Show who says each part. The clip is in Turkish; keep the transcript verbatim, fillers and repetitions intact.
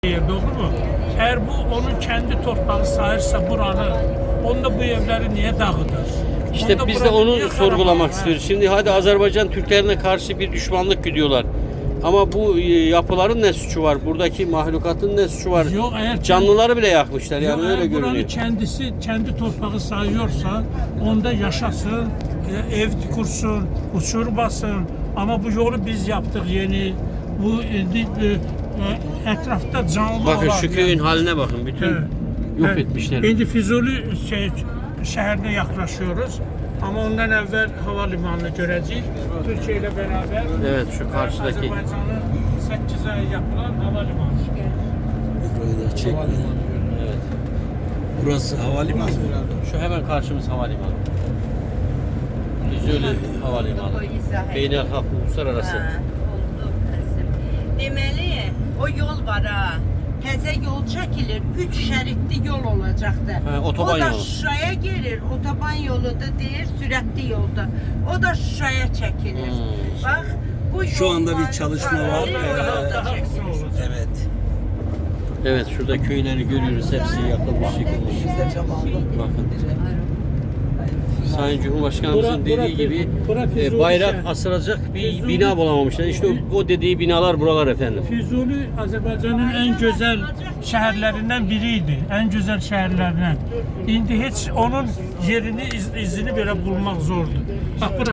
Speaker 1: Doğru mu? Eğer bu onun kendi torpağı sayırsa buranı, onda bu evleri niye dağıtır?
Speaker 2: İşte
Speaker 1: Onda
Speaker 2: biz de
Speaker 1: buranı
Speaker 2: onu
Speaker 1: niye
Speaker 2: sorgulamak
Speaker 1: karalar?
Speaker 2: istiyoruz. Şimdi hadi Azerbaycan Türklerine karşı bir düşmanlık güdüyorlar. Ama bu e, yapıların ne suçu var? Buradaki mahlukatın ne suçu var?
Speaker 1: Yok, eğer
Speaker 2: Canlıları bile yakmışlar
Speaker 1: Yok,
Speaker 2: yani öyle
Speaker 1: eğer buranı
Speaker 2: görünüyor.
Speaker 1: kendisi kendi torpağı sayıyorsa onda yaşasın, e, ev kursun, uçurmasın. Ama bu yolu biz yaptık yeni. Bu e, e, e, etrafta canlı
Speaker 2: Bakın
Speaker 1: olan
Speaker 2: şu köyün
Speaker 1: yani.
Speaker 2: haline bakın. Bütün
Speaker 1: Evet.
Speaker 2: yok
Speaker 1: Evet.
Speaker 2: etmişler.
Speaker 1: İndi Füzuli şey, şehrine yaklaşıyoruz. Ama ondan evvel havalimanını göreceğiz. Türkiye ile beraber.
Speaker 2: Evet, şu karşıdaki.
Speaker 1: Azerbaycan'ın sekiz ay yapılan havalimanı.
Speaker 3: Burayı da çek.
Speaker 2: Evet.
Speaker 3: Burası havalimanı.
Speaker 2: Şu hemen karşımız havalimanı. Füzuli Havalimanı. Beynelhalk uluslararası.
Speaker 4: Ha, oldu kızım. Deməli, o yol var ha. Təzə yol çəkilir, üç şəritli yol olacaqdı.
Speaker 2: Ha, otoban
Speaker 4: o da
Speaker 2: yolu.
Speaker 4: Şuşaya gelir, otoban yolu da deyir, sürətli yolda. O da Şuşaya çəkilir.
Speaker 2: Hmm.
Speaker 4: Bax, bu
Speaker 3: Şu anda bir
Speaker 4: yollar
Speaker 3: çalışma var.
Speaker 4: paralel o yolda
Speaker 1: Daha
Speaker 4: çəkilir.
Speaker 1: uzun olacak.
Speaker 3: Evet.
Speaker 2: Evet, şurada köyleri görüyoruz. Hepsi yakılmış, yıkılmış. Bakın. Sayın Cumhurbaşkanımızın
Speaker 1: Bura-
Speaker 2: dediği
Speaker 1: bura-
Speaker 2: gibi
Speaker 1: bura
Speaker 2: e,
Speaker 1: Füzuli
Speaker 2: bayrak
Speaker 1: şehri.
Speaker 2: asılacak bir
Speaker 1: Füzuli-
Speaker 2: bina bulamamışlar. İşte o, o dediği binalar buralar efendim.
Speaker 1: Füzuli Azerbaycan'ın en güzel şehirlerinden biriydi. En güzel şehirlerinden. İndi hiç onun yerini, iz- izini böyle bulmak zordu. Bak burası